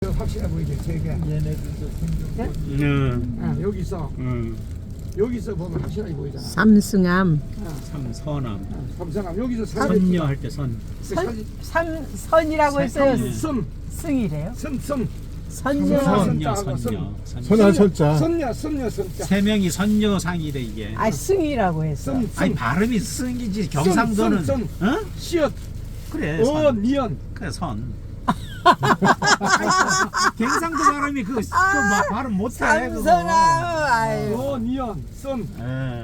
더 확실해 보이게 세 개. 얘네들도 생존권. 여기서 여기서 보면 확실하게 보이잖아. 삼승암. 삼선암. 삼성함 여기서 선녀 할 때 선. 선이라고 했어요. 섬 승이래요. 섬 선녀. 선녀. 선한 선자. 선녀 섬자. 세 명이 선녀상이래 이게. 아 승이라고 했어. 아니 발음이 승이지 경상도는. 선. 어? 시옷 그래. 선. 니언 그래 선. 경상도 발음이 그 발음 못해. 삼선암. 아유. 니언 선. 예.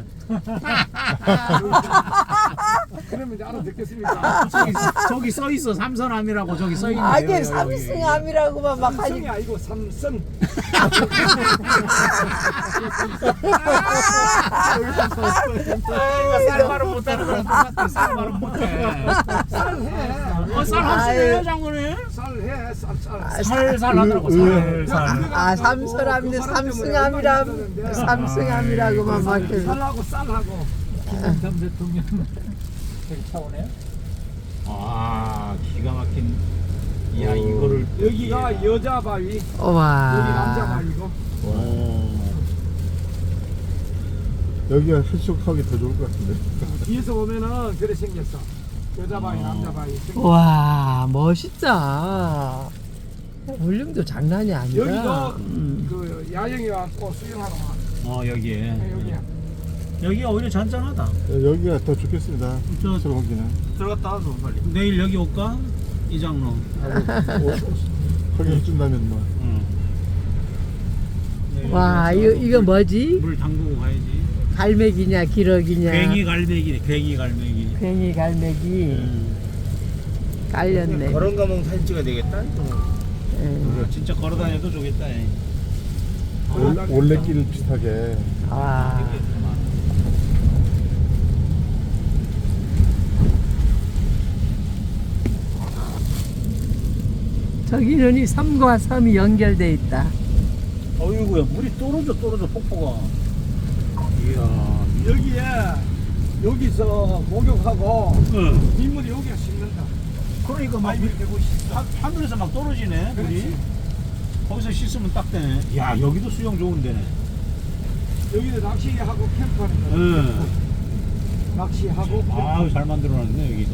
그러면 이제 알아듣겠습니까? 저기 써 있어 삼선암이라고 저기 써 있네. 아니 삼승암이라고만 막 삼성이 하니. 아니고 삼선. 쌀 발음 못하는 거랑 똑같아. 쌀 발음 못해. 쌀해. 쌀 하시네요 장군님. 쌀해 쌀. 살살 하더라고. 살살. 아 삼선암인데 삼승암이라 삼승암이라고만 막. 쌀하고 쌀하고. 김영삼 대통령 되게 차오네요. 아 기가 막힌. 야 이거를 여기가 여자 바위, 여기 남자 와. 바위고. 여기가 해수욕하기 더 좋을 것 같은데. 뒤에서 보면은 그래 생겼어. 여자 바위, 남자 바위. 와 멋있다. 볼륨도 장난이 아니라. 여기도 그 야영이 와서 수영하러 와. 여기에. 여기야. 여기가 오히려 잔잔하다. 여기가 더 좋겠습니다. 저- 들어오기는. 들어갔다 와서 빨리. 내일 여기 올까? 이장로. 거기 해준다면 뭐. 내일 와 가서 이거 뭐지? 물 담그고 가야지. 갈매기냐 기러기냐. 괭이 갈매기네. 괭이 갈매기. 괭이 갈매기 깔렸네. 그런 가면 사진 찍어야 되겠다. 예. 진짜 걸어다녀도 좋겠다. 올레길 비슷하게. 와. 저기는 이 섬과 섬이 연결돼 있다. 어이구야 물이 떨어져 폭포가. 이야. 여기에 여기서 목욕하고 응. 민물이 여기가 씻는다. 그러니까 막 이렇게 보고 씻어. 하늘에서 막 떨어지네 물이. 그렇지. 거기서 씻으면 딱 되네. 야 여기도 수영 좋은 데네. 여기도 낚시하고 캠프하는 거. 응. 낚시하고. 아유 잘 만들어놨네 여기도.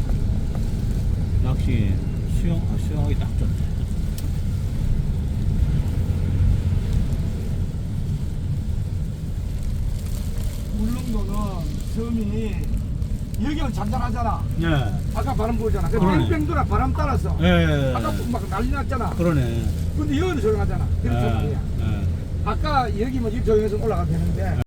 낚시 수영하기 딱 좋네. 울릉도는 섬이 여기는 잔잔하잖아. 예. 아까 바람 불잖아. 그 그러네. 뺑뺑 돌아 바람 따라서. 예. 아까 막 난리 났잖아. 그러네. 근데 여기는 조용하잖아. 그래서 말이야. 예. 아까 여기면 이 조용해서 올라가도 되는데